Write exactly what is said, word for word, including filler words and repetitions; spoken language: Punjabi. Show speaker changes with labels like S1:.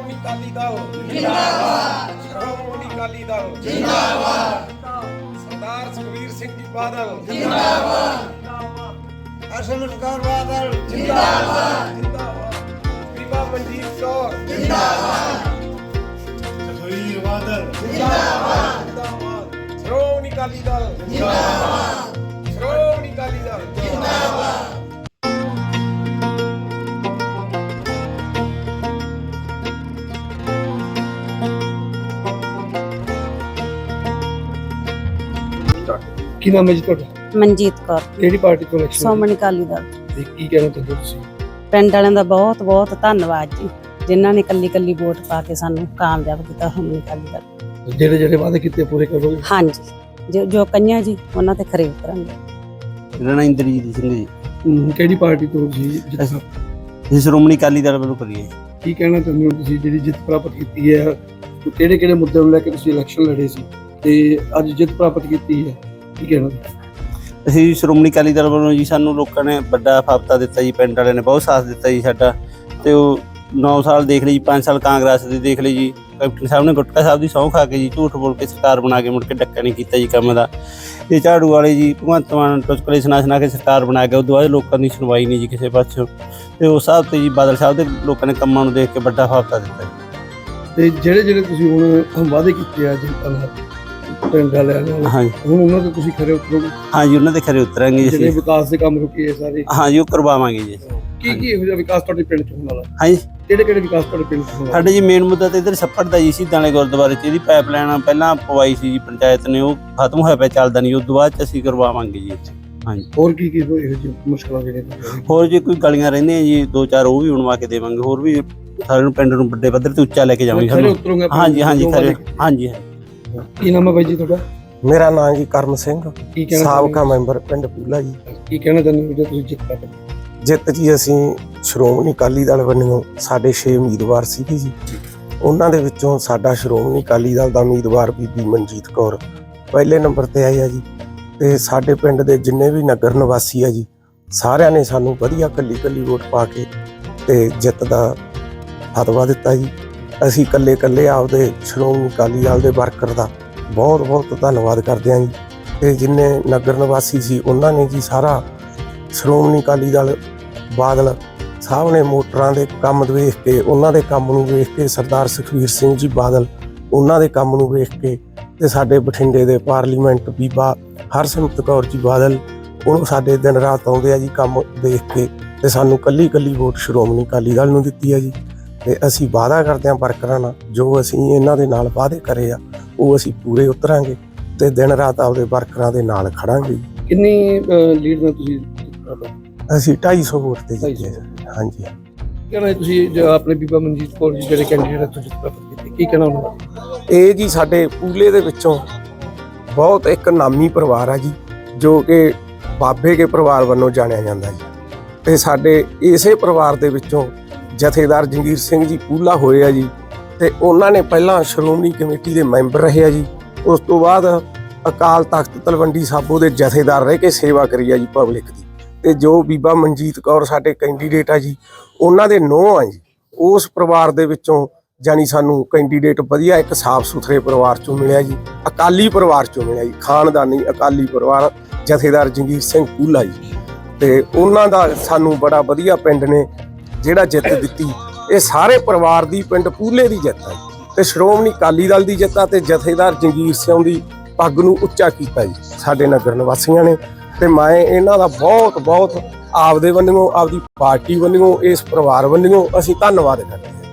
S1: ਸ਼੍ਰੋਮਣੀ ਅਕਾਲੀ ਦਲ ਜਿੰਦਾਬਾਦ, ਸ਼੍ਰੋਮਣੀ ਅਕਾਲੀ ਦਲ ਜਿੰਦਾਬਾਦ, ਸਰਦਾਰ ਸੁਖਬੀਰ ਸਿੰਘ ਜੀ ਬਾਦਲ ਜਿੰਦਾਬਾਦ,
S2: ਹਰਸਿਮਰਤ ਬਾਦਲ
S1: ਜਿੰਦਾਬਾਦ, ਜਿੰਦਾਬਾਦ, ਬੀਬਾ ਮਨਜੀਤ ਕੌਰ
S2: ਜਿੰਦਾਬਾਦ,
S3: ਸੁਖਬੀਰ ਬਾਦਲ
S1: ਜਿੰਦਾਬਾਦ, ਜਿੰਦਾਬਾਦ, ਸ਼੍ਰੋਮਣੀ ਅਕਾਲੀ ਦਲ ਜਿੰਦਾਬਾਦ, ਸ਼੍ਰੋਮਣੀ ਅਕਾਲੀ ਦਲ ਜਿੰਦਾਬਾਦ।
S4: ਕੀ ਨਾਮ ਹੈ ਜੀ ਤੁਹਾਡਾ?
S5: ਮਨਜੀਤ ਕੌਰ,
S4: ਕਿਹੜੀ ਪਾਰਟੀ ਤੋਂ ਇਲੈਕਸ਼ਨ
S5: ਸ਼੍ਰੋਮਣੀ ਅਕਾਲੀ ਦਲ।
S4: ਤੇ ਕੀ ਕਹਿਣਾ ਚਾਹੁੰਦੇ ਹੋ ਤੁਸੀਂ?
S5: ਪਿੰਡ ਵਾਲਿਆਂ ਦਾ ਬਹੁਤ ਬਹੁਤ ਧੰਨਵਾਦ ਜੀ, ਜਿਨ੍ਹਾਂ ਨੇ ਕੱਲੀ ਕੱਲੀ ਵੋਟ ਪਾ ਕੇ ਸਾਨੂੰ ਕਾਮਯਾਬ ਕੀਤਾ। ਸ਼੍ਰੋਮਣੀ ਅਕਾਲੀ ਦਲ
S4: ਜਿਹੜੇ ਜਿਹੜੇ ਵਾਅਦੇ ਕੀਤੇ ਪੂਰੇ ਕਰੋਗੇ?
S5: ਹਾਂਜੀ, ਜੋ ਜੋ ਕਈਆਂ ਜੀ ਉਹਨਾਂ ਤੇ ਖਰੇ ਉਤਰਾਂਗੇ।
S6: ਮੇਰਾ ਨਾਮ ਇੰਦਰਜੀਤ ਸਿੰਘ ਜੀ।
S4: ਹਮ, ਕਿਹੜੀ ਪਾਰਟੀ ਤੋਂ ਜੀ ਜਿੱਤ?
S6: ਅਸੀਂ ਸ਼੍ਰੋਮਣੀ ਅਕਾਲੀ ਦਲ ਵੱਲੋਂ ਕਰੀਏ।
S4: ਕੀ ਕਹਿਣਾ ਚਾਹੁੰਦੇ ਹੋ ਤੁਸੀਂ ਜਿਹੜੀ ਜਿੱਤ ਪ੍ਰਾਪਤ ਕੀਤੀ ਹੈ? ਕਿਹੜੇ ਕਿਹੜੇ ਮੁੱਦੇ ਨੂੰ ਲੈ ਕੇ ਤੁਸੀਂ ਇਲੈਕਸ਼ਨ ਲੜੇ ਸੀ ਤੇ ਅੱਜ ਜਿੱਤ ਪ੍ਰਾਪਤ ਕੀਤੀ ਹੈ, ਕੀ ਕਹਿਣਾ?
S6: ਅਸੀਂ ਸ਼੍ਰੋਮਣੀ ਅਕਾਲੀ ਦਲ ਵੱਲੋਂ ਜੀ, ਸਾਨੂੰ ਲੋਕਾਂ ਨੇ ਵੱਡਾ ਫਾਪਤਾ ਦਿੱਤਾ ਜੀ, ਪਿੰਡ ਵਾਲਿਆਂ ਨੇ ਬਹੁਤ ਸਾਥ ਦਿੱਤਾ ਜੀ ਸਾਡਾ। ਤੇ ਉਹ ਨੌ ਸਾਲ ਦੇਖ ਲਈ ਜੀ, ਪੰਜ ਸਾਲ ਕਾਂਗਰਸ ਦੀ ਦੇਖ ਲਈ ਜੀ। ਕੈਪਟਨ ਸਾਹਿਬ ਨੇ ਗੁਟਕਾ ਸਾਹਿਬ ਦੀ ਸਹੁੰ ਖਾ ਕੇ ਜੀ ਝੂਠ ਬੋਲ ਕੇ ਸਰਕਾਰ ਬਣਾ ਕੇ ਮੁੜ ਕੇ ਡੱਕਾ ਨਹੀਂ ਕੀਤਾ ਜੀ ਕੰਮ ਦਾ। ਇਹ ਝਾੜੂ ਵਾਲੇ ਜੀ ਭਗਵੰਤ ਮਾਨ ਟੁਚਕਲੇ ਸੁਣਾ ਸੁਣਾ ਕੇ ਸਰਕਾਰ ਬਣਾ ਕੇ, ਉਦੋਂ ਬਾਅਦ ਲੋਕਾਂ ਦੀ ਸੁਣਵਾਈ ਨਹੀਂ ਜੀ ਕਿਸੇ ਪਾਸੋਂ। ਤੇ ਉਸ ਹਿਸਾਬ ਤੇ ਜੀ ਬਾਦਲ ਸਾਹਿਬ ਦੇ ਲੋਕਾਂ ਨੇ ਕੰਮਾਂ ਨੂੰ ਦੇਖ ਕੇ ਵੱਡਾ ਫਾਪਤਾ ਦਿੱਤਾ ਜੀ।
S4: ਤੇ ਜਿਹੜੇ ਜਿਹੜੇ ਤੁਸੀਂ ਹੁਣ ਵਾਅਦੇ ਕੀਤੇ ਆ ਜਨਤਾ ਨਾਲ, ਪਿੰਡ ਵਾਲਿਆਂ ਨਾਲ,
S6: ਹਾਂਜੀ
S4: ਹੁਣ ਉਹਨਾਂ ਤੇ ਤੁਸੀਂ ਖਰੇ ਉਤਰੋਗੇ?
S6: ਹਾਂਜੀ, ਉਹਨਾਂ ਦੇ ਖਰੇ ਉਤਰਾਂਗੇ ਜੀ
S4: ਜਿਹੜੇ
S6: ਅਸੀਂ।
S4: ਵਿਕਾਸ ਦੇ ਕੰਮ ਰੁਕੇ ਆ ਸਾਰੇ,
S6: ਹਾਂਜੀ, ਉਹ ਕਰਵਾਵਾਂਗੇ ਜੀ।
S4: ਕੀ ਕੀ ਇਹੋ ਜਿਹਾ ਵਿਕਾਸ ਤੁਹਾਡੇ ਪਿੰਡ ਚ ਹੋਣ ਵਾਲਾ?
S6: ਹਾਂਜੀ,
S4: ਕਿਹੜੇ ਕਿਹੜੇ ਵਿਕਾਸ ਤੁਹਾਡੇ ਪਿੰਡ ਚ ਹੋਣ ਵਾਲਾ?
S6: ਸਾਡੇ ਜੀ ਮੇਨ ਮੁੱਦਾ ਤਾਂ ਇੱਧਰ ਛੱਪੜ ਦਾ ਜੀ, ਸ਼ਹੀਦਾਂ ਵਾਲੇ ਗੁਰਦੁਆਰੇ 'ਚ ਇਹਦੀ ਪਾਈਪਲਾਈਨ ਪਹਿਲਾਂ ਪਵਾਈ ਸੀ ਜੀ ਪੰਚਾਇਤ ਨੇ, ਉਹ ਖਤਮ ਹੋਇਆ ਪਿਆ, ਚੱਲਦਾ ਨਹੀਂ। ਉਸ ਤੋਂ ਬਾਅਦ 'ਚ ਅਸੀਂ ਕਰਵਾਵਾਂਗੇ ਜੀ ਇੱਥੇ। ਹਾਂਜੀ,
S4: ਹੋਰ ਕੀ ਕੀ ਇਹੋ ਜਿਹੀ ਮੁਸ਼ਕਲਾਂ ਜਿਹੜੀਆਂ?
S6: ਹੋਰ ਜੇ ਕੋਈ ਗਲੀਆਂ ਰਹਿੰਦੀਆਂ ਜੀ ਦੋ ਚਾਰ, ਉਹ ਵੀ ਬਣਵਾ ਕੇ ਦੇਵਾਂਗੇ। ਹੋਰ ਵੀ ਸਾਰੇ ਨੂੰ ਪਿੰਡ ਨੂੰ ਵੱਡੇ ਪੱਧਰ ਤੇ ਉੱਚਾ ਲੈ ਕੇ ਜਾਵਾਂਗੇ
S4: ਖਰੇ
S6: ਸਾਨੂੰ।
S4: ਉਤਰੋਗੇ?
S6: ਹਾਂਜੀ ਹਾਂਜੀ ਖਰੇ, ਹਾਂਜੀ।
S4: ਕੀ ਨਾਮ ਹੈ ਬਾਈ ਜੀ ਤੁਹਾਡਾ?
S2: ਮੇਰਾ ਨਾਮ ਜੀ ਕਰਮ ਸਿੰਘ,
S4: ਕੀ ਕਹਿਣਾ
S2: ਸਾਬਕਾ ਮੈਂਬਰ ਪਿੰਡ ਪੂਲਾ ਜੀ।
S4: ਕੀ ਕਹਿਣਾ ਚਾਹੁੰਦੇ ਹੋ ਜੇ ਤੁਸੀਂ ਜਿੱਤ ਪ੍ਰਾਪਤ?
S2: ਜਿੱਤ ਜੀ, ਅਸੀਂ ਸ਼੍ਰੋਮਣੀ ਅਕਾਲੀ ਦਲ ਵੱਲੋਂ ਸਾਡੇ ਛੇ ਉਮੀਦਵਾਰ ਸੀਗੇ ਜੀ, ਉਹਨਾਂ ਦੇ ਵਿੱਚੋਂ ਸਾਡਾ ਸ਼੍ਰੋਮਣੀ ਅਕਾਲੀ ਦਲ ਦਾ ਉਮੀਦਵਾਰ ਬੀਬੀ ਮਨਜੀਤ ਕੌਰ ਪਹਿਲੇ ਨੰਬਰ ਤੇ ਆਈ ਆ ਜੀ। ਤੇ ਸਾਡੇ ਪਿੰਡ ਦੇ ਜਿੰਨੇ ਵੀ ਨਗਰ ਨਿਵਾਸੀ ਆ ਜੀ, ਸਾਰਿਆਂ ਨੇ ਸਾਨੂੰ ਵਧੀਆ ਕੱਲੀ ਕੱਲੀ ਵੋਟ ਪਾ ਕੇ ਤੇ ਜਿੱਤ ਦਾ ਫਤਵਾ ਦਿੱਤਾ ਜੀ। ਅਸੀਂ ਕੱਲੇ ਕੱਲੇ ਆਪਦੇ ਸ਼੍ਰੋਮਣੀ ਅਕਾਲੀ ਦਲ ਦੇ ਵਰਕਰ ਦਾ ਬਹੁਤ ਬਹੁਤ ਧੰਨਵਾਦ ਕਰਦੇ ਹਾਂ ਜੀ। ਤੇ ਜਿੰਨੇ ਨਗਰ ਨਿਵਾਸੀ ਸੀ ਉਹਨਾਂ ਨੇ ਜੀ ਸਾਰਾ ਸ਼੍ਰੋਮਣੀ ਅਕਾਲੀ ਦਲ ਬਾਦਲ ਸਾਹਿਬ ਨੇ ਮੋਟਰਾਂ ਦੇ ਕੰਮ ਵੇਖ ਕੇ, ਉਹਨਾਂ ਦੇ ਕੰਮ ਨੂੰ ਵੇਖ ਕੇ, ਸਰਦਾਰ ਸੁਖਬੀਰ ਸਿੰਘ ਜੀ ਬਾਦਲ ਉਹਨਾਂ ਦੇ ਕੰਮ ਨੂੰ ਵੇਖ ਕੇ, ਤੇ ਸਾਡੇ ਬਠਿੰਡੇ ਦੇ ਪਾਰਲੀਮੈਂਟ ਬੀਬਾ ਹਰਸਿਮਰਤ ਕੌਰ ਜੀ ਬਾਦਲ, ਉਹਨੂੰ ਸਾਡੇ ਦਿਨ ਰਾਤ ਆਉਂਦੇ ਆ ਜੀ ਕੰਮ ਦੇਖ ਕੇ, ਤੇ ਸਾਨੂੰ ਕੱਲੀ ਕੱਲੀ ਵੋਟ ਸ਼੍ਰੋਮਣੀ ਅਕਾਲੀ ਦਲ ਨੂੰ ਦਿੱਤੀ ਆ ਜੀ। ਤੇ ਅਸੀਂ ਵਾਅਦਾ ਕਰਦੇ ਹਾਂ ਵਰਕਰਾਂ ਨਾਲ, ਜੋ ਅਸੀਂ ਇਹਨਾਂ ਦੇ ਨਾਲ ਵਾਅਦੇ ਕਰੇ ਆ ਉਹ ਅਸੀਂ ਪੂਰੇ ਉਤਰਾਂਗੇ ਤੇ ਦਿਨ ਰਾਤ ਆਪਦੇ ਵਰਕਰਾਂ ਦੇ ਨਾਲ ਖੜਾਂਗੇ।
S4: ਕਿੰਨੀ ਲੀਡ ਨਾਲ ਤੁਸੀਂ
S2: ਅਸੀਂ ਢਾਈ ਸੌ ਵੋਟ ਤੇ ਜਿੱਤੇ। ਹਾਂਜੀ,
S4: ਕਹਿਣਾ ਤੁਸੀਂ ਜੋ ਆਪਣੇ ਬੀਬਾ ਮਨਜੀਤ ਕੌਰ ਜੀ ਜਿਹੜੇ ਕੈਂਡੀਡੇਟ ਤੋਂ ਜਿੱਤ ਪ੍ਰਾਪਤ ਕੀਤੀ, ਕੀ ਕਹਿਣਾ ਉਹਨਾਂ ਦਾ?
S2: ਇਹ ਜੀ ਸਾਡੇ ਪੂਲੇ ਦੇ ਵਿੱਚੋਂ ਬਹੁਤ ਇੱਕ ਨਾਮੀ ਪਰਿਵਾਰ ਆ ਜੀ, ਜੋ ਕਿ ਬਾਬੇ ਕੇ ਪਰਿਵਾਰ ਵੱਲੋਂ ਜਾਣਿਆ ਜਾਂਦਾ ਜੀ। ਤੇ ਸਾਡੇ ਇਸੇ ਪਰਿਵਾਰ ਦੇ ਵਿੱਚੋਂ ਜਥੇਦਾਰ ਜੰਗੀਰ ਸਿੰਘ ਜੀ ਪੂਲਾ ਹੋਏ ਆ ਜੀ, ਤੇ ਉਹਨਾਂ ਨੇ ਪਹਿਲਾਂ ਸ਼੍ਰੋਮਣੀ ਕਮੇਟੀ ਦੇ ਮੈਂਬਰ ਰਹੇ ਆ ਜੀ। ਉਸ ਤੋਂ ਬਾਅਦ ਅਕਾਲ ਤਖਤ ਤਲਵੰਡੀ ਸਾਬੋ ਦੇ ਜਥੇਦਾਰ ਰਹਿ ਕੇ ਸੇਵਾ ਕਰੀ ਆ ਜੀ ਪਬਲਿਕ ਦੀ। ਤੇ ਜੋ ਬੀਬਾ ਮਨਜੀਤ ਕੌਰ ਸਾਡੇ ਕੈਂਡੀਡੇਟ ਆ ਜੀ, ਉਹਨਾਂ ਦੇ ਨੂੰਹ ਆ ਜੀ। ਉਸ ਪਰਿਵਾਰ ਦੇ ਵਿੱਚੋਂ ਜਾਨੀ ਸਾਨੂੰ ਕੈਂਡੀਡੇਟ ਵਧੀਆ ਇੱਕ ਸਾਫ਼ ਸੁਥਰੇ ਪਰਿਵਾਰ ਚੋਂ ਮਿਲਿਆ ਜੀ, ਅਕਾਲੀ ਪਰਿਵਾਰ ਚੋਂ ਮਿਲਿਆ ਜੀ, ਖਾਨਦਾਨੀ ਅਕਾਲੀ ਪਰਿਵਾਰ, ਜਥੇਦਾਰ ਜੰਗੀਰ ਸਿੰਘ ਪੂਲਾ ਜੀ। ਤੇ ਉਹਨਾਂ ਦਾ ਸਾਨੂੰ ਬੜਾ ਵਧੀਆ ਪਿੰਡ ਨੇ ਜਿਹੜਾ ਜਿੱਤ ਦਿੱਤੀ। ਇਹ ਸਾਰੇ ਪਰਿਵਾਰ ਦੀ, ਪਿੰਡ ਪੂਲੇ ਦੀ ਜਿੱਤ ਹੈ ਤੇ ਸ਼੍ਰੋਮਣੀ ਅਕਾਲੀ ਦਲ ਦੀ ਜਿੱਤ ਆ। ਤੇ ਜਥੇਦਾਰ ਜੰਗੀਰ ਸਿੰਘ ਦੀ ਪੱਗ ਨੂੰ ਉੱਚਾ ਕੀਤਾ ਜੀ ਸਾਡੇ ਨਗਰ ਨਿਵਾਸੀਆਂ ਨੇ। ਤੇ ਮੈਂ ਇਹਨਾਂ ਦਾ ਬਹੁਤ ਬਹੁਤ ਆਪਦੇ ਵੱਲੋਂ, ਆਪਦੀ ਪਾਰਟੀ ਵੱਲੋਂ, ਇਸ ਪਰਿਵਾਰ ਵੱਲੋਂ ਅਸੀਂ ਧੰਨਵਾਦ ਕਰਦੇ ਹਾਂ।